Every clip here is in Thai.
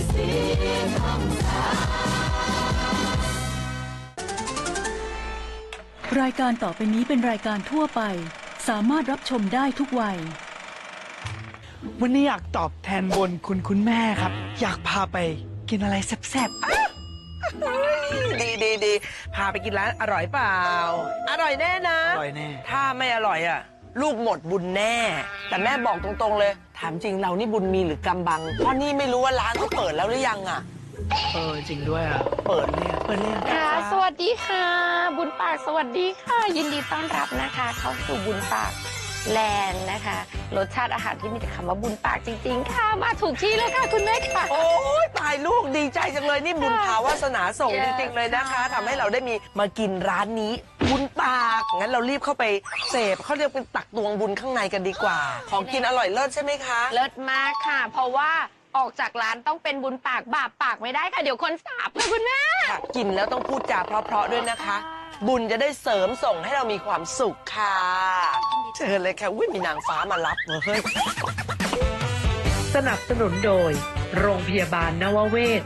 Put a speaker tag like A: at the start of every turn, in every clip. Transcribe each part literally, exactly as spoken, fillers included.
A: รายการต่อไปนี้เป็นรายการทั่วไปสามารถรับชมได้ทุกวัย
B: วันนี้อยากตอบแทนบุญคุณคุณแม่ครับอยากพาไปกินอะไรแซ่บ
C: ๆดีดีดีพาไปกินร้านอร่อยเปล่าอร่อยแน่นะ
B: อร่อยแน่
C: ถ้าไม่อร่อยอ่ะลูกหมดบุญแน่แต่แม่บอกตรงๆเลยถามจริงเรานี่บุญมีหรือกำบังเพราะนี่ไม่รู้ว่าร้านเขาเปิดแล้วหรือยังอ่ะ
B: เออจริงด้วยอ่ะเปิดเนี่ยเปิดเนี่ย
D: ค่ะสวัสดีค่ะบุญปากสวัสดีค่ะยินดีต้อนรับนะคะเข้าสู่บุญปากแลนด์นะคะรสชาติอาหารที่มีแต่คำว่าบุญปากจริงๆค่ะมาถูกที่แล้วค่ะคุณแม่ค่ะ
C: โอ้ยตายลูกดีใจจังเลยนี่บุญภาวาสนาส่งจริงๆเลยนะคะทำให้เราได้มีมากินร้านนี้บุญปากงั้นเรารีบเข้าไปเสพเขาเรียกเป็นตักตวงบุญข้างในกันดีกว่าของกินอร่อยเลิศใช่ไหมคะ
D: เลิศมากค่ะเพราะว่าออกจากร้านต้องเป็นบุญปากบาปปากไม่ได้ค่ะเดี๋ยวคนสาบค่ะคุณแม่
C: กินแล้วต้องพูดจาเพราะๆด้วยนะคะบุญจะได้เสริมส่งให้เรามีความสุขค่ะเชิญเลยค่ะอุ้ยมีนางฟ้ามารับเฮ้ย
E: สนับสนุนโดยโรงพยาบาลนวเวศ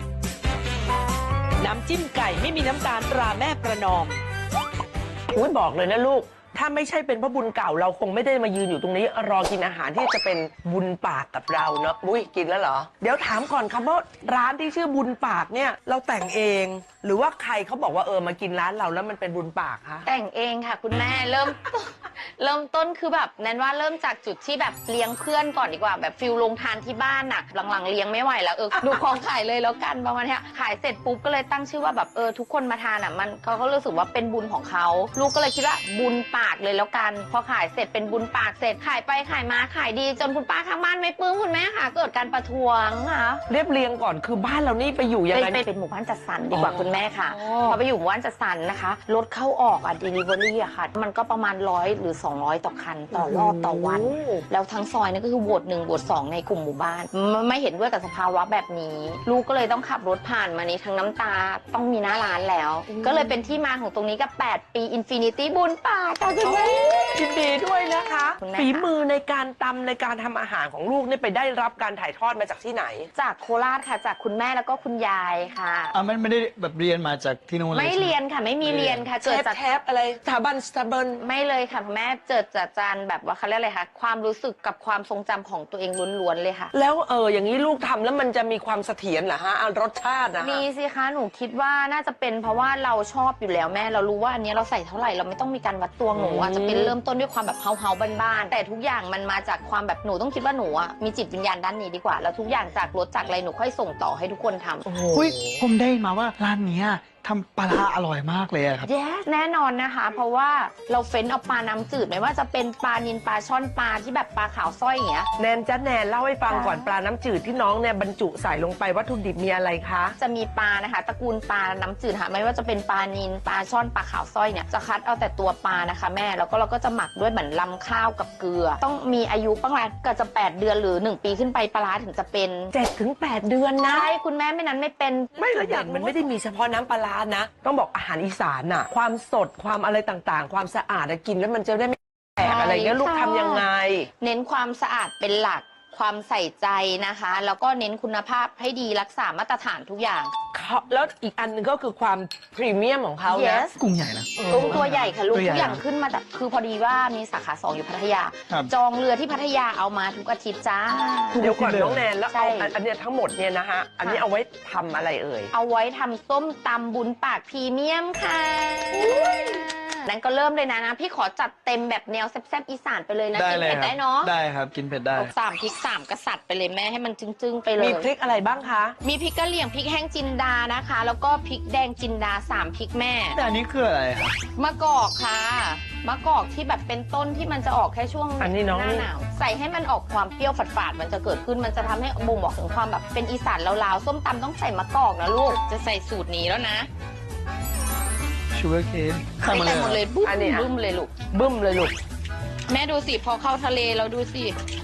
E: น้ำจิ้มไก่ไม่มีน้ำตาลตราแม่ประนอม
C: อุ้ยบอกเลยนะลูกถ้าไม่ใช่เป็นเพราะบุญเก่าเราคงไม่ได้มายืนอยู่ตรงนี้รอกินอาหารที่จะเป็นบุญปากกับเราเนาะอุ้ยกินแล้วเหรอเดี๋ยวถามก่อนครับว่าร้านที่ชื่อบุญปากเนี่ยเราแต่งเองหรือว่าใครเขาบอกว่าเออมากินร้านเราแล้วมันเป็นบุญปากคะ
D: แต่งเองค่ะคุณแม่เริ่มเริ่มต้นคือแบบแนนว่าเริ่มจากจุดที่แบบเลี้ยงเพื่อนก่อนดีกว่าแบบฟิลลงทานที่บ้านน่ะหลังๆเลี้ยงไม่ไหวแล้วเออดูของขายเลยแล้วกันประมาณนี้ขายเสร็จปุ๊บก็เลยตั้งชื่อว่าแบบเออทุกคนมาทานอ่ะมันเขาก็รู้สึกว่าเป็นบุญของเขาลูกก็เลยคิดว่าบุญปากเลยแล้วกันพอขายเสร็จเป็นบุญปากเสร็จขายไปขายมาขายดีจนคุณป้าข้างบ้านไม่ปลื้มคุณแม่ค่ะเกิดการประท้วงค่ะ
C: เรียบเรียงก่อนคือบ้านเรานี่ไปอยู่ยังไง
D: เป็นหมู่บ้านจัดสรรดีกว่าคุณแม่ค่ะพอไปอยู่หมู่บ้านจัดสรรนะคะรถเข้าออกอ่ะ delivery อะค่ะมันก็ประมาณร้อยหรือสองร้อยต่อคันต่อรอบต่อวันแล้วทั้งซอยนี่ก็คือโหวตหนึ่งโหวตสองในกลุ่มหมู่บ้านไม่เห็นด้วยกับสภาวะแบบนี้ลูกก็เลยต้องขับรถผ่านมานี้ทั้งน้ำตาต้องมีหน้าร้านแล้วก็เลยเป็นที่มาของตรงนี้กับแปดปีอินฟินิตี้บุญปากค่ะคุณแม่
C: ยินดีด้วยนะคะฝีมือในการตำในการทำอาหารของลูกนี่ไปได้รับการถ่ายทอดมาจากที่ไหน
D: จากโคราชค่ะจากคุณแม่แล้วก็คุณยายค่ะ
B: อ่ะไม่ไม่ได้แบบเรียนมาจากที่นู่น
D: ไม่เรียนค่ะไม่มีเรียนค่ะ
C: เกิดจากแทบอะไรสถาบันสถาบัน
D: ไม่เลยค่ะแม่เกิดจากจานแบบว่าเขาเรียกอะไรคะความรู้สึกกับความทรงจำของตัวเองล้วนๆเลยค่ะ
C: แล้วเอออย่างนี้ลูกทำแล้วมันจะมีความเสถียรเหรอฮะรสชาตินะ
D: มีสิคะหนูคิดว่าน่าจะเป็นเพราะว่าเราชอบอยู่แล้วแม่เรารู้ว่าอันนี้เราใส่เท่าไหร่เราไม่ต้องมีการวัดตวงหนูอาจจะเป็นเริ่มต้นด้วยความแบบเฮาเฮาบ้านๆแต่ทุกอย่างมันมาจากความแบบหนูต้องคิดว่าหนูอ่ะมีจิตวิญญาณด้านนี้ดีกว่าแล้วทุกอย่างจากรสจากอะไรหนูค่อยส่งต่อให้ทุกคนทำ
B: อุ้ยผมได้มาว่าร้านนี้ทำปลาอร่อยมากเลยครับ
D: yes แน่นอนนะคะเพราะว่าเราเฟ้นเอาปลาน้ำจืดไม่ว่าจะเป็นปลานิลปลาช่อนปลาที่แบบปลาขาวสร้อยอย่างเงี้ย
C: แนนจ้าแนนเล่าให้ฟังก่อนปลาน้ำจืดที่น้องเนี่ยบรรจุใส่ลงไปวัตถุดิบมีอะไรคะ
D: จะมีปลานะคะตระกูลปลาน้ำจืดค่ะไม่ว่าจะเป็นปลานิลปลาช่อนปลาขาวสร้อยเนี่ยจะคัดเอาแต่ตัวปลานะคะแม่แล้วก็เราก็จะหมักด้วยเหมือนลำข้าวกับเกลือต้องมีอายุประมาณก็จะแปดเดือนหรือหนึ่งปีขึ้นไปปลาถึงจะเป็น
C: เจ็ดถึงแปด เดือนนะ
D: ใช่คุณแม่ไม่นั้นไม่เป็น
C: ไม่ละอย่างมันไม่ได้มีเฉพาะน้ำปลานะต้องบอกอาหารอีสานน่ะความสดความอะไรต่างๆความสะอาดกินแล้วมันจะได้ไม่แตกอะไรเงี้ยลูกทำยังไง
D: เน้นความสะอาดเป็นหลักความใส่ใจนะคะแล้วก็เน้นคุณภาพให้ดีรักษามาตรฐานทุกอย่าง
C: แล้วอีกอันนึงก็คือความพรีเมียมของเขานะ
D: yes
B: กุ้งใหญ่นะ
D: กุ้งตัวใหญ่ค่ะลูกทุกอย่างขึ้นมาแต่คือพอดีว่ามีสาขาสองอยู่พัทยาจองเรือที่พัทยาเอามาทุกอาทิตย์จ้า
C: เดี๋ยวก่อนน้องแนนแล้วเอาอันนี้ทั้งหมดเนี่ยนะฮะอันนี้เอาไว้ทำอะไรเอ่ย
D: เอาไว้ทำส้มตำบุญปากพรีเมียมค่ะนั้นก็เริ่มเลยนะนะพี่ขอจัดเต็มแบบแนวแซ่บๆอีสานไปเลยนะกินเผ็ดได้เนาะ
B: ได้ครับกินเผ็ดได้
D: สามพริกสามกษัตริย์ไปเลยแม่ให้มันจึ้งๆไปเลย
C: มีพริกอะไรบ้างคะ
D: มีพริกกะเหรี่ยงพริกแห้งจินดานะคะแล้วก็พริกแดงจินดาสามพริกแม่
B: แต่อันนี้คืออะไรครับ
D: มะกอกค่ะมะกอกที่แบบเป็นต้นที่มันจะออกแค่ช่วงหน้าหนาวใส่ให้มันออกความเปรี้ยวฝาดๆมันจะเกิดขึ้นมันจะทำให้บ่งบอกถึงความแบบเป็นอีสานลาวๆส้มตำต้องใส่มะกอกนะลูกจะใส่สูตรนี้แล้วนะ
B: ชูเกอร์เคน
D: ใส่หมดเลยบึ้มบึ้มเลยลูก
C: บึ้มเลยลูก
D: แม่ดูสิพอเข้าทะเลเราดูสิ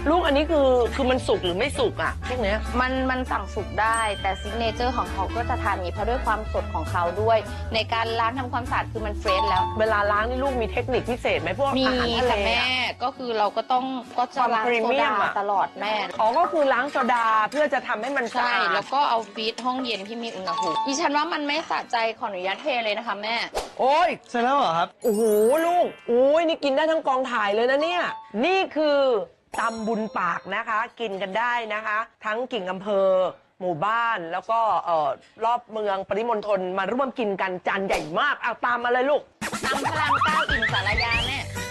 C: ลูกอันนี้คือคือมันสุกหรือไม่สุกอ่ะพวกเนี้ย
D: มันมันสั่งสุกได้แต่ซิกเนเจอร์ของเขาก็จะทานอย่างนี้เพราะด้วยความสดของเขาด้วย ในการล้างทำความสะอาดคือมันเฟรชแล้ว
C: เวลาล้างนี่ลูกมีเทคนิคพิเศษไหมพวก
D: มี
C: อาหารทะเล
D: ค่ะแม่
C: อะ
D: ก็คือเราก็ต้องก็จะล้าง
C: ความพรี
D: โซ
C: เมีย
D: ดาม
C: อะ
D: ตลอดแม่
C: อ๋อก็คือล้างโซดาเพื่อจะทำให้มันสะ
D: ใช่
C: อาด
D: แล้วก็เอาฟีดห้องเย็นที่มีอุณหภูมิดิฉันว่ามันไม่สะใจขออนุญาตเทเลยนะคะแม่
C: โอ้ย
B: เสร็จแล้วเหรอครับ
C: โอ้โหลูกโอ้ยนี่กินได้ทั้งกองถ่ายเลยนะเนี่ยนี่คือตำบุญปากนะคะ กินกันได้นะคะ ทั้งกิ่งอำเภอ หมู่บ้านแล้วก็เอ่อรอบเมืองปริมณฑลมาร่วมกินกันจานใหญ่มากเอาตามมาเลยลูก
D: ตำพลังเก้าอิ่มสารยาแม่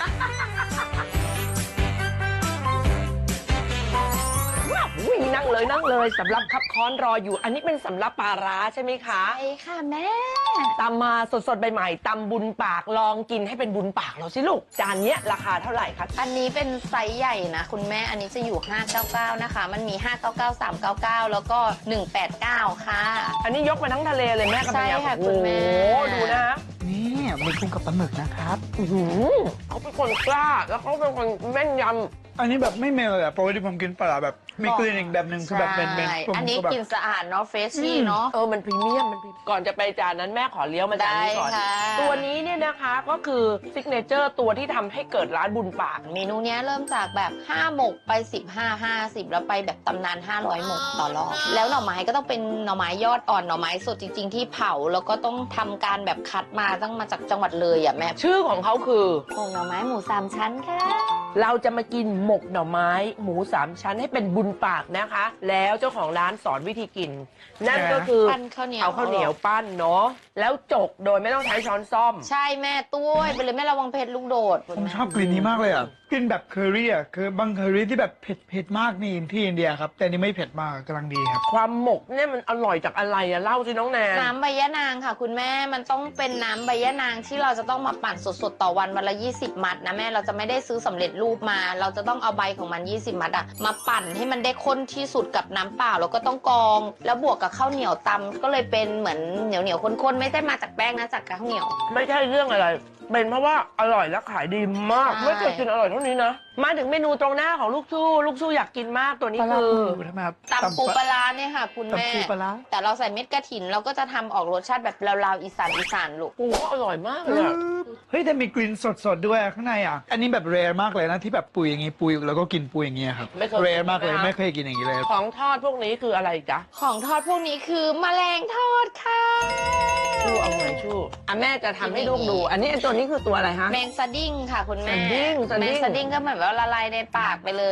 C: อุ้ยนั่งเลยนั่งเลยสำหรับคับค้อนรออยู่ อันนี้เป็นสำหรับปลาร้าใช่ไหมคะ
D: ใช่ค่ะแม่
C: ตำมาสดๆใหม่ๆตำบุญปากลองกินให้เป็นบุญปากเราสิลูกจานเนี้ยราคาเท่าไหร่คะ
D: อันนี้เป็นไซส์ใหญ่นะคุณแม่อันนี้จะอยู่ห้าเก้าเก้านะคะมันมีห้าเก้าเก้า สามเก้าเก้าแล้วก็หนึ่งแปดเก้าค่ะ
C: อันนี้ยกมาทั้งทะเลเลยแม่กับ
D: ใช่
C: เมีย
D: ค่ะ
C: โอ้
D: คุณแม่
C: โหดูนะ
B: นี่มีกุ้งกับปลาหมึกนะครับ
C: อื้อหือเขาเป็นคนกล้าแล้วเขาเป็นคนแม่นยำ
B: อันนี้แบบไม่เมลเลยอะปกติผมกินปลาแบบมีกลิ่นอีกแบบหนึ่งคือแบบเป็นเป็น
D: ใช่
B: ผม
D: อันนี้
B: ก็แบบ
D: กลิ่นสะอาดเนาะเฟรชชี่เนาะ
C: เออ มันพรีเมียม มันพรีก่อนจะไปจานนั้นแม่ขอเลี้ยวมาจานนี้ก่อน
D: ได้ค่ะ
C: ตัวนี้เนี่ยนะคะก็คือซิกเนเจอร์ตัวที่ทำให้เกิดร้านบุญปาก
D: เมนูเนี้ยเริ่มจากแบบห้าหมกไปสิบห้า ห้าสิบแล้วไปแบบตำนานห้าร้อยหมกต่อรอบแล้วหน่อไม้ก็ต้องเป็นหน่อไม้ยอดอ่อนหน่อไม้สดจริง ๆ ที่เผาแล้วก็ต้องทำการแบบคัดมาต้องมาจากจังหวัดเลยอ่ะแม่
C: ชื่อของเขาคือ
D: หมกหน่อไม้หมูสามชั้นค่ะ
C: เราจะมากินหมกหน่อไม้ หมูสามชั้นให้เป็นบุญปากนะคะ แล้วเจ้าของร้านสอนวิธีกิน นั่นก็คือ
D: ปั้นข้าวเหนียว
C: เอาข้าวเหนียวปั้นเนาะแล้วจกโดยไม่ต้องใช้ช้อนซ่อม
D: ใช่แม่ตุ้ยไปเลยแม่ระวังเพชรลูกโดด
B: ผมชอบกลิ่นนี้มากเลยอ่ะกลิ่นแบบเคอรี่อ่ะคือบางเคอรี่ที่แบบเผ็ดเผ็ดมากนี่ที่อินเดียครับ แต่อันนี่ไม่เผ็ดมากกำลังดีครับ
C: ความหมกเนี่ยมันอร่อยจากอะไรอะเล่าสิน้องแนน
D: น้ำใบยะนางค่ะ คุณแม่มันต้องเป็นน้ำใบยะนางที่เราจะต้องมาปั่นสดๆต่อวันวันละยี่สิบมัดนะแม่เราจะไม่ได้ซื้อสำเร็จรูปมา เราจะต้องเอาใบของมันยี่สิบมัดอะมาปั่นให้มันได้ข้นที่สุดกับน้ำเปล่าแล้วก็ต้องกรอง แล้วบวกกับข้าวเหนียวตำก็เลยเป็นเหมือนเหนียวเหนียวๆข้นๆไม่ได้มาจากแป้งนะจากข้าวเหนียว
C: ไม่ใช่เรื่องอะไร เป็นเพราะว่าอร่อยและขายดีมาก
D: ใช่
C: ไม่เคยกินอร่อยเท่านี้นะ มาถึงเมนูตรงหน้าของลูกชู้ลูกชู้อยากกินมากตัวนี้
B: ปลาร้า
C: คือ
B: ปูทำไมครับ
D: ตำปูปลาร้าเนี่ยค่ะ คุณแม่
B: ตำปูปลาร้า
D: แต่เราใส่เม็ดกระถินเราก็จะทำออกรสชาติแบบลาวๆอีสานอีสานลูก
C: ปูก็อร่อยมากเลยอะ
B: เฮ้ยแต่มีกลิ่นสดๆด้วยข้างในอ่ะ อันนี้แบบเรร์มากเลยนะที่แบบปุยอย่างงี้ปุยแล้วก็กินปุยอย่างเงี้ยครับ
C: ไม่เคย
B: เรร์มากเลย
C: ใช่ไห
B: ไม่เคยกินอย่างงี้เลย
C: ของทอดพวกนี้คืออะไรจ๊ะ
D: ของทอดพวกนี้คือแมลงทอดค่ะ
C: ชู้เอาไงชู้อ่ะแม่จะทำให้ลูกดู อันนี้ไอ้ตัวนี้คือตัวอะไรฮะ
D: แมงสดิ้งค่ะคุณแม่
C: สดิ้งสดิ้ง
D: แมงสดิ้งก็เหมือนว่าละลายในปากไปเลย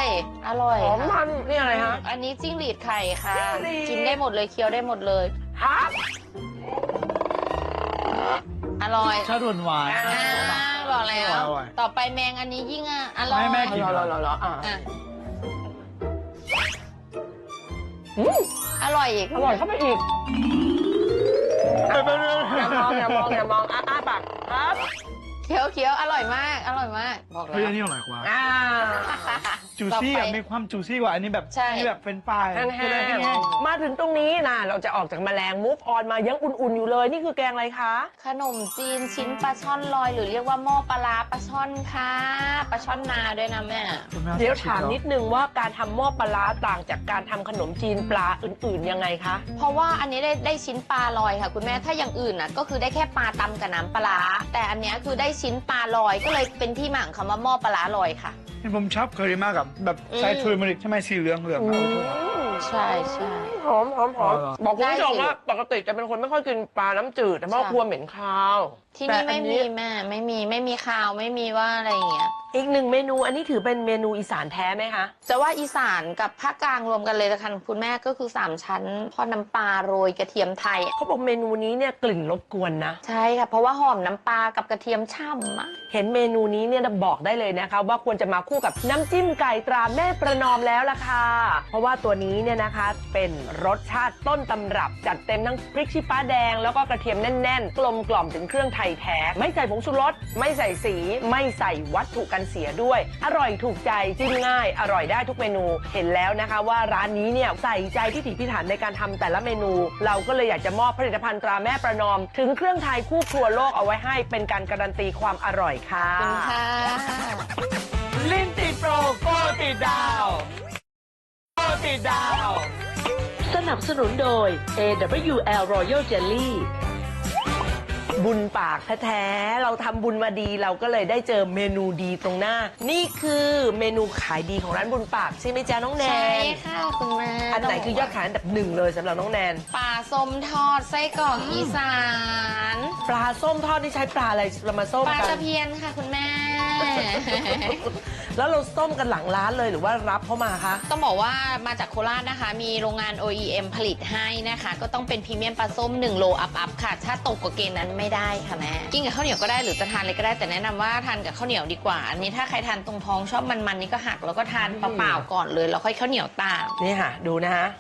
D: อร่อย
C: หอม
D: ค่ะ
C: มันนี่อะไรฮะ
D: อันนี้จิ้งหรีดไข่ค่ะ
C: จิ้งหรีด
D: กินได้หมดเลยเคี้ยวได้หมดเลย
C: ฮะ
D: อร่อย
B: ชาติหวาน
D: อ่าบอกแล้ว
B: อร่อย
D: ต่อไปแมงอันนี้ยิ่งอ่ะอร่อย
B: ให้แม่กิน
C: รอรอรอรออ่ะ
D: อ่ะ
C: อืม
D: อร่อยอีก
C: อร่อยเข้าไปอีก
B: ๆ
C: อย่ามองอย่ามองอย่ามองอ้าอ้าปากครับ
D: เคี้ยวเคี้ยวอร่อยมาก อร่อยมาก บอกแล้
B: เฮ้ยว อันนี้อร่อยกว่า
C: อ่า
B: จูซี่อ่ะมีความจูซี่กว่าอันนี้แบบ
D: ใช่
B: อันนี้แบบเป็นปลาย
C: แห้ง
B: คืออะไรแห้ง
C: ๆมาถึงตรงนี้นะเราจะออกจากแมลงมุกออนมายังอุ่นๆอยู่เลย นี่คือแกงอะไรคะ
D: ขนมจีนชิ้นปลาช่อนลอย หรือเรียกว่าหม้อปลาร้าปลาช่อนค่ะปลาช่อนนาด้วยนะแม่
B: ๆ
C: เดี๋ยวถามนิดนึงว่าการทำหม้อปลาร้าต่างจากการทำขนมจีนปลาอื่นๆยังไงคะ
D: เพราะว่าอันนี้ได้ได้ชิ้นปลาลอยค่ะ คุณแม่ถ้าอย่างอื่นน่ะก็คือได้แค่ปลาตำกับน้ำปลาร้าแต่อันเนี้ยคือได้ชิ้นปลาลอยก็เลยเป็นที่มาของคำว่าหม้อปลาร้าลอยค่ะ
B: ผมชอบเคอรี่มากกับแบบใส่
D: อืม
B: ทูริมาริกใช่ไหมสีเหลืองเหลืองๆ
C: อื
B: เอา
C: ม
D: ใช่ใช่
C: หอมหอมหอม
B: อร่อย
C: บอกคุณผู้ชม
D: ได้สิ
C: ว่าปกติจะเป็นคนไม่ค่อยกินปลาน้ำจืดแต่เพราะ
D: ใช่
C: กลัวเหม็นคาว
D: ที่
C: แต่
D: นี่
C: อั
D: ไม่มีแม่ไม่มีไม่มีข้าวไม่มีว่าอะไรอย่างเงี้ย
C: อีกหนึ่งเมนูอันนี้ถือเป็นเมนูอีสานแท้ไหมคะ
D: จะว่าอีสานกับภาคกลางรวมกันเลยละกันคุณแม่ก็คือสามชั้นทอดน้ำปลาโรยกระเทียมไทย
C: เขาบอกเมนูนี้เนี่ยกลิ่นรบกวนนะ
D: ใช่ค่ะเพราะว่าหอมน้ำปลากับกระเทียมช่ำอะ
C: เห็นเมนูนี้เนี่ยบอกได้เลยนะคะว่าควรจะมาคู่กับน้ำจิ้มไก่ตราแม่ประนอมแล้วล่ะค่ะ เพราะว่าตัวนี้เนี่ยนะคะเป็นรสชาติต้นตำรับจัดเต็มทั้งพริกชี้ฟ้าแดงแล้วก็กระเทียมแน่นๆ กลมกล่อมถึงเครื่องไทยแท้ไม่ใส่ผงชูรสไม่ใส่สีไม่ใส่วัตถุกันเสียด้วย อร่อยถูกใจจิ้มง่าย อร่อยได้ทุกเมนูเห็นแล้วนะคะว่าร้านนี้เนี่ยใส่ใจพิถีพิถันในการทำแต่ละเมนู เราก็เลยอยากจะมอบผลิตภัณฑ์ตราแม่ประนอม ถึงเครื่องไทยคู่ครัวโลกเอาไว้ให้เป็นการการันตีความอร่อยค่ะ
D: ขอบคุณค่ะ
B: ลิ้นติดโปรโกติดดาวโกติดดาว
E: สนับสนุนโดย เอ ดับเบิลยู แอล Royal Jelly
C: บุญปากแท้ๆเราทำบุญมาดีเราก็เลยได้เจอเมนูดีตรงหน้า นี่คือเมนูขายดีของร้านบุญปากใช่ไหมจ๊ะน้องแนน
D: ใช่ค่ะคุณแม่
C: อันไหนคือยอดขายอันดับหนึ่งเลยสำหรับน้องแนน
D: ปลาส้มทอดไส้กรอกอีสาน
C: ปลาส้มทอดนี่ใช้ปลาอะไรเรามาส้ม
D: ปลา
C: กั
D: ตะ
C: น
D: เพียนค่ะคุณแม่
C: แล้วเราส้มกันหลังร้านเลยหรือว่ารับเข้ามาคะ
D: ต้องบอกว่ามาจากโคราชนะคะ มีโรงงาน โอ อี เอ็ม ผลิตให้นะคะ ก็ต้องเป็นพรีเมียมปลาส้มหนึ่งโลอัพอัพค่ะ ถ้าตกกว่าเกณฑ์นั้นไม่ได้ค่ะแม่ กินกับข้าวเหนียวก็ได้หรือจะทานเลยก็ได้ แต่แนะนำว่าทานกับข้าวเหนียวดีกว่า อันนี้ถ้าใครทานตรงท้องชอบมันๆนี่ก็หักแล้วก็ทานเปล่าๆก่อนเลยแล้วค่อยข้าวเหนียวตาม
C: นี่ค่ะ ดูนะฮะ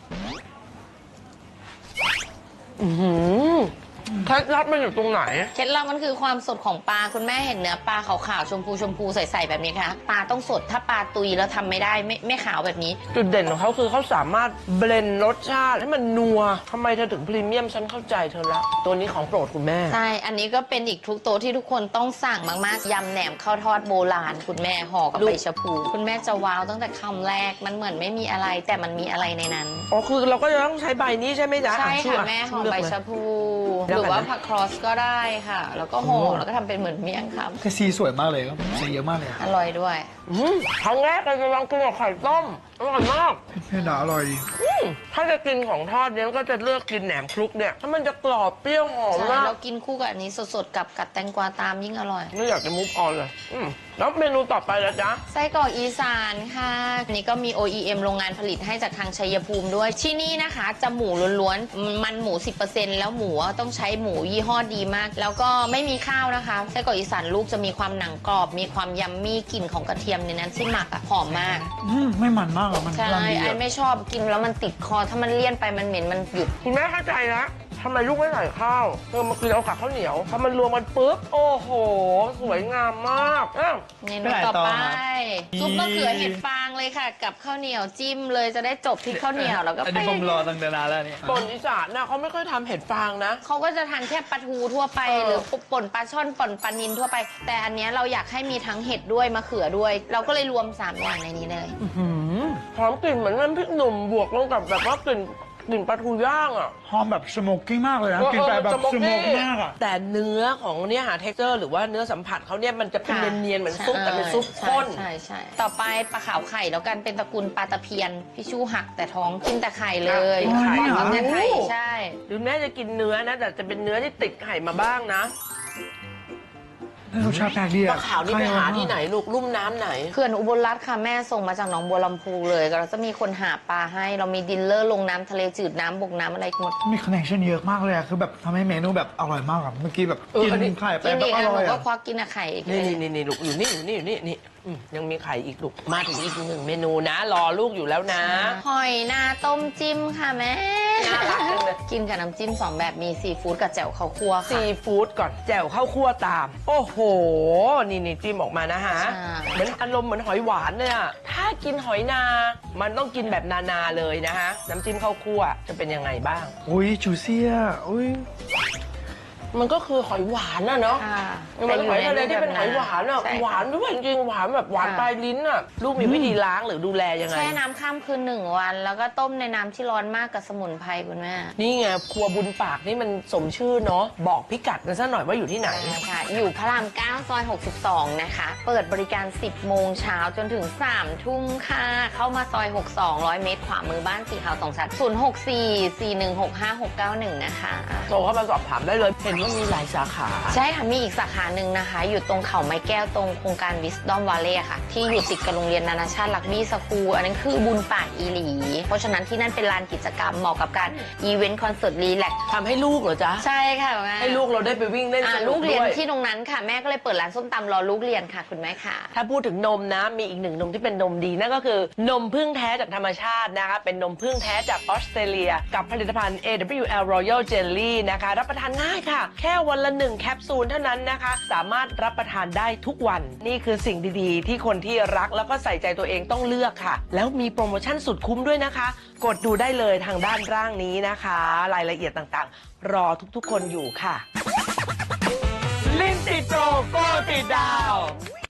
C: อือหือเคล็ดลับมันอยู่ตรงไหน
D: เคล็ดลับมันคือความสดของปลาคุณแม่เห็นเนื้อปลาขาวๆชมพูชมพูใสๆแบบนี้ค่ะปลาต้องสดถ้าปลาตุยแล้วทำไม่ได้ไม่ไม่ขาวแบบนี้
C: จุดเด่นของเขาคือเขาสามารถเบลนด์รสชาติให้มันนัวทำไมเธอถึงพรีเมียมฉันเข้าใจเธอละตัวนี้ของโปรดคุณแม่
D: ใช่ อันนี้ก็เป็นอีกทุกโต๊ะที่ทุกคนต้องสั่งมากๆ ยำแหนมข้าวทอดโบราณ คุณแม่ห่อกับ
C: ลูก
D: ใบชะพู คุณแม่จะว้าวตั้งแต่คำแรก มันเหมือนไม่มีอะไรแต่มันมีอะไรในนั้น
C: อ๋อคือเราก็จะต้องใช้ใบนี้ใช่ไหมจ๊ะ
D: ใช่
C: อ่
D: ค่ะแม่ห่อใบชะพู หรือว่าผักครอสก็ได้ค่ะ แล้วก็ห่อแล้วก็ทำเป็นเหมือนเมี่ยงค
B: คือสีสวยมากเลยครับสีเยอะมากเลย
D: ำอร่อยด้วย
C: อืมครั้งแรกเราจะลองกินกับไข่ต้มอร่อยมาก
B: เผ็ดอร่อยดี
C: อืมถ้าจะกินของทอดเนี่ยก็จะเลือกกินแหนมคลุกเนี่ยถ้ามันจะกรอบเปรี้ยวหอม
D: ใช่
C: มาก
D: เรากินคู่กับอันนี้สดๆกับกัดแตงกวาตามยิ่งอร่อย
C: ไม่อยากจะมุฟออนเลยอืมแล้วเมนูต่อไปละจ๊ะ
D: ไส้กรอกอีสานค่ะอันนี้ก็มี โอ อี เอ็ม โรงงานผลิตให้จากทางชัยภูมิด้วย ที่นี่นะคะจะหมูล้วนๆ มันหมู สิบเปอร์เซ็นต์ แล้วหมูต้องใช้หมูยี่ห้อดีมาก แล้วก็ไม่มีข้าวนะคะ ไส้กรอกอีสานลูกจะมีความหนังกรอบ มีความยัมมี่กลิ่นของกระเทียมในนั้นที่หมักอะหอมมาก
B: อืมไม่มันมากหรอกมัน
D: ใช่
B: กำลังดี
D: ไอ้
B: อะ
D: ไม่ชอบกินแล้วมันติดคอ ถ้ามันเลี่ยนไปมันเหม็นมันหยุด
C: คุณแม่เข้าใจนะทำไมลูกไม่ใส่ข้าวเธอมากินเอากับข้าวเหนียวพอมันรวมกันปุ๊บ โอ้โห สวยงามมากอ้าว
D: เมนูต่อไปซุปมะเขือเห็ดฟางเลยค่ะ กับข้าวเหนียวจิ้มเลยจะได้จบที่ข้าวเหนียวแล้วก็
B: อัน
D: ไป
B: นี้ผมรอตั้งแต่นานแล้วเนี่ย
C: ป่นอีสานนะเขาไม่ค่อยทำเห็ดฟางนะ
D: เขาก็จะทานแค่ปลาทูทั่วไป
C: เออ
D: หรือป่นปลาช่อนป่นปลานิลทั่วไป แต่อันเนี้ยเราอยากให้มีทั้งเห็ดด้วยมะเขือด้วย เราก็เลยรวมสามอย่างในนี้เลย
C: หอมกลิ่นเหมือนน้ำพริกหนุ่มบวกลงกับแบบว่ากลิ่นกลิ่นปลาทูย่างอ่ะ
B: หอมแบบสโมกกิ้งมากเลยนะ
C: เออ
B: กินไปแบบ
C: เออ
B: สโมกมากอ่ะ
C: แต่เนื้อของเนี่ยหาเท็กเจอร์หรือว่าเนื้อสัมผัสเขาเนี่ยมันจะเป็น
D: ค่ะ
C: เนียนๆเหมือนซุปแต่เป็นซุปข้น
D: ใช่ใช่ใช่ต่อไปปลาขาวไข่แล้วกันเป็นตระกูลปลาตะเพียนพี่ชูหักแต่ท้องกินแต่ไข่เลย
B: อ๋อนี่เหรอ
D: กินแต่ไข่ใช่
C: หรือแม่จะกินเนื้อนะ แต่จะเป็นเนื้อที่ติดไข่มาบ้างนะ
B: รสชาติแปลกดี
C: ป
B: อะ
C: ลาขาวนี่ไปหาที่ไหนลูกลุ่มน้ำไหน
D: เขื่อนอุบลรัตน์ค่ะแม่ส่งมาจากหนองบัวลำพูเลยก็เราจะมีคนหาปลาให้ เรามีดินเลอร์ลงน้ำทะเลจืดน้ำบกน้ำอะไรหมด
B: มีคอนเนคชั่นเยอะมากเลยอะคือแบบทำให้เมนูแบบอร่อยมากอะเมื่อกี้แบบ
C: เออ
B: กิน
C: อันนี้
B: ไข่ไป
D: กิน
B: แบ
D: อี
B: บ
D: ก
B: อ
D: นะ
B: ร่อย
D: ผมก็
B: อะ
D: ควักกินอะไข่อีก
C: นี่นี่นี่นี่ลูกอยู่นี่อยู่นี่อยู่นี่นี่อืมยังมีไข่อีกลูกมาถึงอีกหนึ่งเมนูนะ รอลูกอยู่แล้วนะ
D: หอยนาต้มจิ้มค่ะแม่
C: น่ารักจังเลย
D: กินกับน้ำจิ้มสองแบบมีซีฟู้ดกับแจ่วข้าวคั่วค่ะ
C: ซีฟู้ดก่อนแจ่วข้าวคั่วตาม โอ้โห นี่นี่จิ้มออกมานะฮะ
D: ใช่
C: เหมือนอารมณ์เหมือนหอยหวานเลยอะถ้ากินหอยนา มันต้องกินแบบนานาเลยนะฮะ น้ำจิ้มข้าวคั่วจะเป็นยังไงบ้าง
B: อุ้ยจูเซียอุ้ย
C: มันก็คือหอยหวานน่ะเนาะ
D: ค่ะ
C: มันหอยทะเลที่เป็นหอยหวานอะ
D: ใช่ค่ะ
C: หวานด้วยจริงๆหวานแบบหวาน
D: ค่ะ
C: ปลายลิ้นอะลูกมีวิธีล้างหรือดูแลยังไง
D: แช่น้ำข้ามคืนหนึ่งวัน แล้วก็ต้มในน้ำที่ร้อนมากกับสมุนไพรคุณแม่
C: นี่ไงครัวบุญปากนี่มันสมชื่อเนาะบอกพิกัดกันซะหน่อยว่าอยู่ที่ไหน
D: ค่ะอยู่พระรามเก้าซอยหกสิบสองนะคะ เปิดบริการ สิบโมงเช้าจนถึง สามทุ่มค่ะ เข้ามาซอยหกสิบสอง ร้อยเมตรขวามือบ้านสีขาวสองชั้นศูนย์ หก สี่ สี่ หนึ่ง หก ห้า หก เก้า หนึ่งนะคะ
C: โทรเข้ามาสอบถามได้เลย เห็นว่ามีหลายสาขา
D: ใช่ค่ะ มีอีกสาขาหนึ่งนะคะ อยู่ตรงเขาไม้แก้วตรงโครงการ Wisdom Valley ค่ะ ที่อยู่ติดกับโรงเรียนนานาชาติลักบี้สคูลอันนั้นคือบุญปากอีหลี เพราะฉะนั้นที่นั่นเป็นลานกิจกรรมเหมาะกับการอีเวนต์คอนเสิร์ตรีแลกซ์
C: ทำให้ลูกเหรอจ๊ะ
D: ใช่ค่ะแม่
C: ให้ลูกเราได้ไปวิ่งเล่น
D: อ่า
C: สนุ
D: ลู
C: ก
D: กเรียน
C: ด้วย
D: ที่ตรงนั้นค่ะแม่ก็เลยเปิดร้านส้มตำรอลูกเรียนค่ะคุณแม่ค่ะ
C: ถ้าพูดถึงนมนะ มีอีกหนึ่งนมที่เป็นนมดีนั่นก็คือนมพึ่งแท้จากธรรมชาตินะคะ เป็นนมพึ่งแท้จากออสเตรเลีย กับผลิตภัณฑ์ เอ ดับเบิลยู แอล Royal Jelly นะคะ รับประทานง่ายค่ะ แค่วันละหนึ่งแคปซูลเท่านั้นนะคะ สามารถรับประทานได้ทุกวัน นี่คือสิ่งดีๆ ที่คนที่รักแล้วก็ใส่ใจตัวเองต้องเลือกค่ะ แล้วมีโปรโมชั่นสุดคุ้มด้วยนะคะ กดดูได้เลยทางด้านล่างนี้นะคะ รายละเอียดต่างๆ รอทุกๆ คนอยู่ค่ะ
B: ลิ้นติดโปรโกติดดาว
F: ย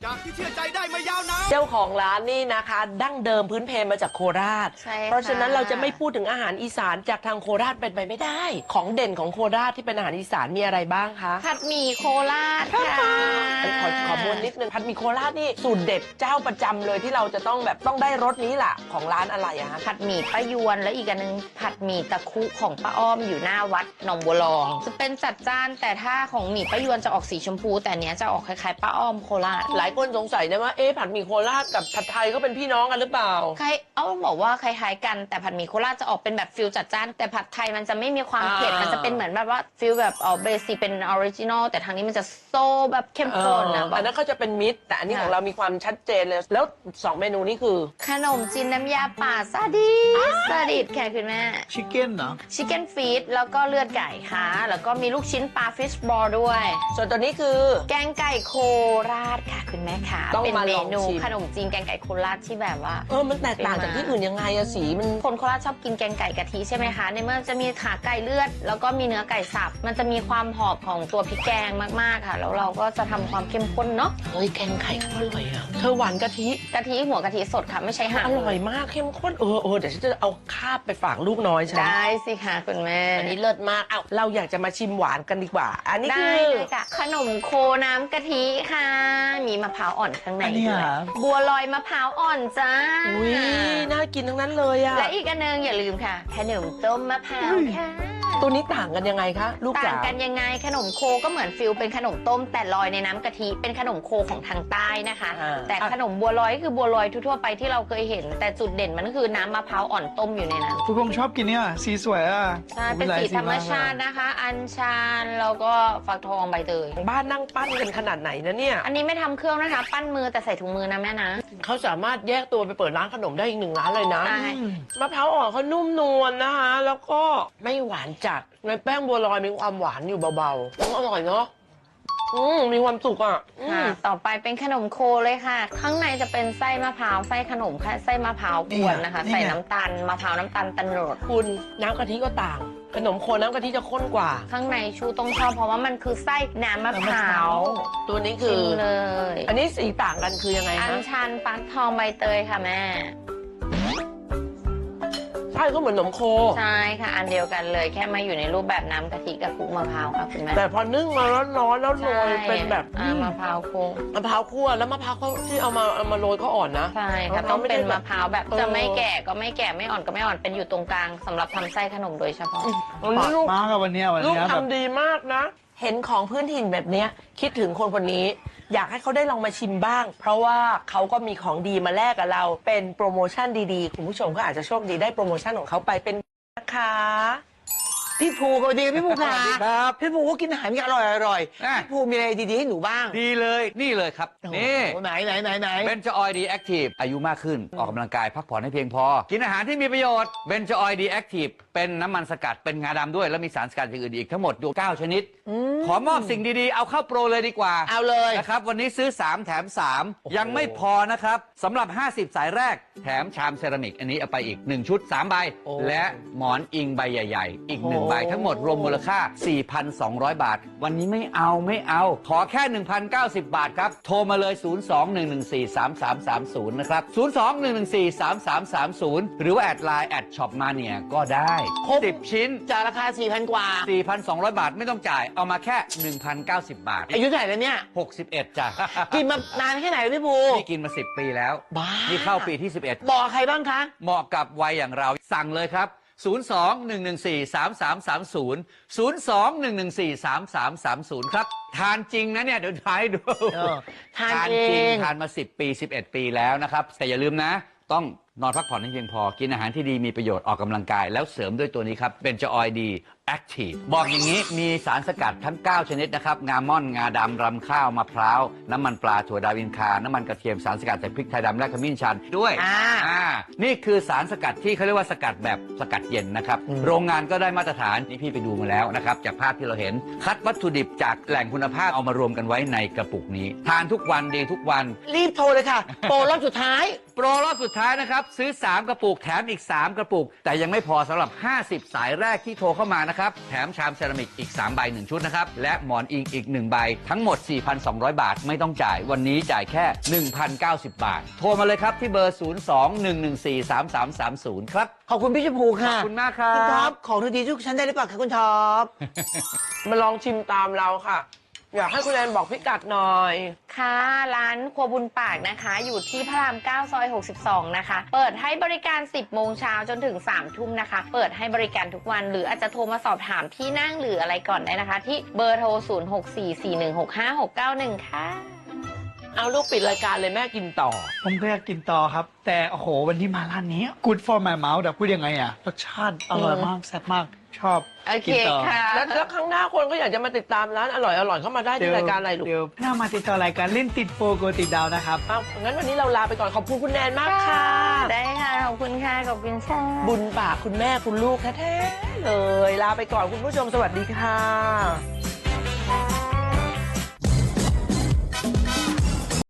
F: จากที่เชื่อใจได้มายาวนาน
C: เจ้าของร้านนี่นะคะ ดั้งเดิมพื้นเพมาจากโคราช
D: ใช่ค่ะ
C: เพราะฉะนั้นเราจะไม่พูดถึงอาหารอีสานจากทางโคราชเป็นไปไม่ได้ ของเด่นของโคราชที่เป็นอาหารอีสานมีอะไรบ้างคะ
D: ผัดหมี่โคราชค่ะ
C: ขอขอมวนนิดนึงผัดหมี่โคราชนี่สูตรเด็ดเจ้าประจำเลยที่เราจะต้องแบบต้องได้รสนี้แหละของร้านอะไรอะคะ
D: ผัดหมี่ป้ายวนแล้วอีกอันนึงผัดหมี่ตะคุของป้าอ้อมอยู่หน้าวัดหนองบัวรอง จะเป็นจัดจ้านแต่ถ้าของหมี่ป้ายวนจะออกสีชมพู แต่อันเนี้ยจะออกคล้ายๆป้าอ้อมโคราช
C: หลายคนสงสัยนะว่าเอ๊ะผัดหมี่โคราชกับผัดไทยเขาเป็นพี่น้องกันหรือเปล่า
D: ใครเอ้าบอกว่าคล้ายๆกันแต่ผัดหมี่โคราชจะออกเป็นแบบฟิลจัดจ้านแต่ผัดไทยมันจะไม่มีความเผ็ด
C: อ่ามั
D: มันจะเป็นเหมือนแบบว่าฟิลแบบเออเบสิกเป็นออริจินอลแต่ทางนี้มันจะโซ่แบบเข้มข้นนะ
C: อันนั้นเขาจะเป็นมิตรแต่อันนี้
D: ค่ะ
C: ของเรามีความชัดเจนเลย แล้วสองเมนูนี้คือ
D: ขนมจีนน้ำยาป่าซาดิสซาดิสค่ะคุณแม่
B: ชิคเก้นเหรอ
D: ชิคเก้นฟีดแล้วก็เลือดไก่ค่ะ แล้วก็มีลูกชิ้นปลาฟิชบอลด้วย
C: ส่วนตัวนี้คือ
D: แกงไก่โคราชค่ะคุณแม่ค่ะ
C: ต้อง
D: เป็น
C: มา
D: เม
C: ลอง
D: นู
C: ชิม
D: ขนมจีนแกงไก่โคราชที่แบบว่า
C: เออมันแตกต่างจากที่อื่นยังไงอะสีมัน
D: คนโคราชชอบกินแกงไก่กะทิใช่ไหมคะ ในเมื่อจะมีขาไก่เลือด แล้วก็มีเนื้อไก่สับ มันจะมีความหอมของตัวพริกแกงมากๆค่ะ แล้วเราก็จะทำความเข้มข้นเนาะ
C: เฮ้ยแกงไก่เขาอร่อยอะเธอหวานกะทิ
D: กะทิหัวกะทิสดค่ะไม่ใช่ห่าง
C: อร่อยมากเข้มข้นเออเออเดี๋ยวฉันจะเอาคาบไปฝากลูกน้อยฉัน
D: ได้สิค่ะคุณแม่
C: อันนี้เลิศมากเอาเราอยากจะมาชิมหวานกันดีกว่า อันนี้
D: ได้
C: คือ
D: เลยค่ะ ขนมโคน้ำกะทิค่ะ มีมะพร้าวอ่อนข้างใน
B: อันนี้
D: ด้วย
B: เหรอ
D: บัวลอยมะพร้าวอ่อนจ้า
C: อุ้ยน่ากินทั้งนั้นเลยอะ
D: และอีกอันหนึงอย่าลืมค่ะ ขนมต้มมะพร้าวค่ะ
C: ตัวนี้ต่างกันยังไงคะลูก
D: ต่า
C: จ๋าง
D: กันยังไงขนมโคก็เหมือนฟิลเป็นขนมต้มแต่ลอยในน้ำกะทิเป็นขนมโคของทางใต้นะคะ
C: อ่า
D: แต่ขนมบัวลอยก็คือบัวลอยทั่วๆไปที่เราเคยเห็น แต่จุดเด่นมันก็คือน้ำมะพร้าวอ่อนต้มอยู่ในนั้น
B: คุณพงษ์ชอบกินเนี่ยสีสวยอ่ะ
D: ใช่เป็นสีธรรมชาตินะคะ อัญชันแล้วก็ฟักทองใบเตย
C: บ้านนั่งปั้นกันขนาดไหนนะเนี่ย
D: อันนี้ไม่ทำเครื่องนะคะ ปั้นมือแต่ใส่ถุงมือนะแม่นะ
C: เขาสามารถแยกตัวไปเปิดร้านขนมได้อีกหนึ่งร้านเลยนะ
D: ใช่
C: มะพร้าวอ่อนเขานุ่มนวลนะคะ แล้วก็ไม่หวานจัดในแป้งบัวลอยมีความหวานอยู่เบาๆอร่อยเนาะอืมมีความสุขอ่ะอืม
D: ค่ะต่อไปเป็นขนมโคเลยค่ะ ข้างในจะเป็นไส้มะพร้าวไส้ขนมค่ะไส้มะพร้าวกวนนะคะ
B: นี่ไง
D: ใส่น้ำตาลมะพร้าวน้ำตาลตะโนด
C: คุณน้ำกะทิก็ต่าง ขนมโคนน้ำกะทิจะข้นกว่า
D: ข้างในชูต้องชอบเพราะว่ามันคือไส้น้ำมะพร้าว
C: ตัวนี้คื
D: ชิ
C: อ
D: มเลย
C: อันนี้สีต่างกันคือยังไง
D: อั
C: คะ
D: ญชันฟักทองใบเตยค่ะแม่
C: ใช่ก็เหมือนขนมโค
D: ใช่ค่ะอันเดียวกันเลยแค่มาอยู่ในรูปแบบน้ำกะทิกับคลุกมะพร้าวค่ะคุณแม่
C: แต่พอนึ่งมาร้อนๆแล้วโรยเป็นแบบ
D: อ่ามะพร้าวโคง
C: มะพร้าวคั่วแล้วมะพร้าวเขาที่เอามาเอามาโรยเขาอ่อนนะ
D: ใช่ค่ะ
C: มะพร้าว
D: ต้อง
C: ไม่ได้
D: เป็น
C: แบบ
D: มะพร้าวแบบ
C: เออ
D: จะไม่แก่ก็ไม่แก่ไม่อ่อนก็ไม่อ่อนเป็นอยู่ตรงกลางสำหรับทำไส้ขนมโดยเฉพาะ
C: วัน
B: ปา
C: นี้
B: ก
C: ลูก
B: มากอะวันเนี้ยวัน
C: ลูก
B: เนี้ยแบบ
C: ทำดีมากนะ เห็นของพื้นถิ่นแบบเนี้ยคิดถึงคนคนนี้ อยากให้เขาได้ลองมาชิมบ้าง เพราะว่าเขาก็มีของดีมาแลกกับเรา เป็นโปรโมชั่นดีๆ คุณผู้ชมก็อาจจะโชคดีได้โปรโมชั่นของเขาไปเป็นนะคะ
G: พี่ภูสวัสดีพี่ภูค่ะ
F: สวัสดีครับ
G: พี่ภูก็กินอาหารที่อร่อยอร่อย
F: อ่ะ
G: พี่ภูมีอะไรดีๆให้หนูบ้าง
F: ดีเลยนี่เลยครับ นี่
G: โอ้โหไหนไหนไหนไหน
F: เบนจออยดีแอคทีฟอายุมากขึ้น ออกกำลังกายพักผ่อนให้เพียงพอ กินอาหารที่มีประโยชน์เบนจออยดีแอคทีฟเป็นน้ำมันสกัดเป็นงาดำด้วย แล้วมีสารสกัดอย่างอื่นอีกทั้งหมดดูเก้าชนิด ขอมอบสิ่งดีๆ เอาเข้าโปรเลยดีกว่า
G: เอาเลย
F: นะครับวันนี้ซื้อ สาม แถม สาม ยังไม่พอนะครับสำหรับ ห้าสิบ สายแรก แถมชามเซรามิก อันนี้เอาไปอีก หนึ่ง ชุด สาม ใบ และหมอนอิงใบใหญ่ ๆ อีก หนึ่ง ใบ ทั้งหมดรวมมูลค่า สี่พันสองร้อย บาท วันนี้ไม่เอาไม่เอา ขอแค่ หนึ่งพันเก้าสิบ บาทครับ โทรมาเลย ศูนย์ สอง หนึ่ง หนึ่ง สี่ สาม สาม สาม ศูนย์ นะครับ ศูนย์ สอง หนึ่ง หนึ่ง สี่ สาม สาม สาม ศูนย์ หรือว่าแอดไลน์แอดช็อปมาเนี่ยก็ได้สิบชิ้น
G: จากราคาสี่พันกว่า
F: สี่พันสองร้อย บาทไม่ต้องจ่ายเอามาแค่ หนึ่งพันเก้าสิบ บาท
G: อายุเท่าไหร่แล้วเนี่ย
F: หกสิบเอ็ดจ้ะ
G: กินมานานแค่ไหนพี่ภู
F: นี่กินมาสิบปีแล้ว
G: บ้า
F: นี่เข้าปีที่สิบเอ็ด
G: บอกใครบ้างคะ
F: เหมาะกับวัยอย่างเราสั่งเลยครับ ศูนย์ สอง หนึ่ง หนึ่ง สี่ สาม สาม สาม ศูนย์ ศูนย์ สอง หนึ่ง หนึ่ง สี่ สาม สาม สาม ศูนย์ ครับ ทานจริงนะเนี่ย เดี๋ยวทายดู
G: เออทาน
F: จริง
G: เอง
F: ทานมาสิบปีสิบเอ็ดปีแล้วนะครับ แต่อย่าลืมนะ ต้องนอนพักผ่อนให้เพียงพอ กินอาหารที่ดีมีประโยชน์ออกกำลังกาย แล้วเสริมด้วยตัวนี้ครับเป็นจออยดีแอคทีฟบอกอย่างนี้มีสารสกัดทั้ง เก้า ชนิดนะครับ งาม่อน งาดำรำข้าวมะพร้าว น้ำมันปลาถั่วดาวินคา น้ำมันกระเทียมสารสกัดจากพริกไทยดำและขมิ้นชันด้วย
G: อ่า
F: อ่านี่คือสารสกัดที่เขาเรียกว่าสกัดแบบสกัดเย็นนะครับ โรงงานก็ได้มาตรฐานนี่พี่ไปดูมาแล้วนะครับ จากภาพที่เราเห็น คัดวัตถุดิบจากแหล่งคุณภาพเอามารวมกันไว้ในกระปุกนี้ ทานทุกวันดีทุกวัน
G: รีบโทรเลยค่ะ โปรรอบสุดท้าย
F: โปรรอบสุดท้ายนะครับ ซื้อ สาม กระปุกแถมอีก สาม กระปุก แต่ยังไม่พอสำหรับ ห้าสิบ สายแรกที่โทรเข้ามานะครับนะครับแถมชามเซรามิกอีกสามใบหนึ่งชุดนะครับและหมอนอิงอีกหนึ่งใบทั้งหมด สี่พันสองร้อย บาทไม่ต้องจ่ายวันนี้จ่ายแค่ หนึ่งพันเก้าสิบ บาทโทรมาเลยครับที่เบอร์ ศูนย์ สอง หนึ่ง หนึ่ง สี่ สาม สาม สาม ศูนย์ ครับ
G: ขอบคุณพี่ชมพู
F: ข
G: ค่ะ
F: อบคุณมากครั
G: คุณท็อบ ปของดีๆทุกชั้นได้หรือเปล่าคะคุณท็อป
C: มาลองชิมตามเราค่ะ อยากให้คุณแอนบอกพิกัดหน่อย
D: ค่ะร้านครัวบุญปากนะคะ อยู่ที่พระรามเก้าซอยหกสิบสองนะคะ เปิดให้บริการ สิบโมงเช้าจนถึง สามทุ่มนะคะ เปิดให้บริการทุกวันหรืออาจจะโทรมาสอบถามที่นั่งหรืออะไรก่อนได้นะคะ ที่เบอร์โทร ศูนย์ หก สี่ สี่ หนึ่ง หก ห้า หก เก้า หนึ่ง ค่ะ
C: เอาลูกปิดรายการเลยแม่กินต่อ
B: ผมก็อยากกินต่อครับ แต่โอ้โหวันที่มาร้านนี้ good for my mouth แต่พูดยังไงอะรสชาติอร่อยมากแซ่บมากชอบ
D: โอเค
B: กินต่อ
D: ค่ะ
C: แล้วแล้วครั้งหน้าคนก็อยากจะมาติดตามร้านอร่อยอร่อยๆเข้ามาได้ที่รายการอะไรลูก
B: เดี๋ยวหน้ามาติดต่อรายการเล่นติดโปรโกติดดาวนะครับ
C: เอางั้นวันนี้เราลาไปก่อนขอบคุณคุณแนนมากค่ะ
D: ได้ค่ะ ขอบคุณค่ะ ขอบคุณค่ะ
C: บุญปากคุณแม่คุณลูกแท้ๆเลย ลาไปก่อนคุณผู้ชมสวัสดีค่ะ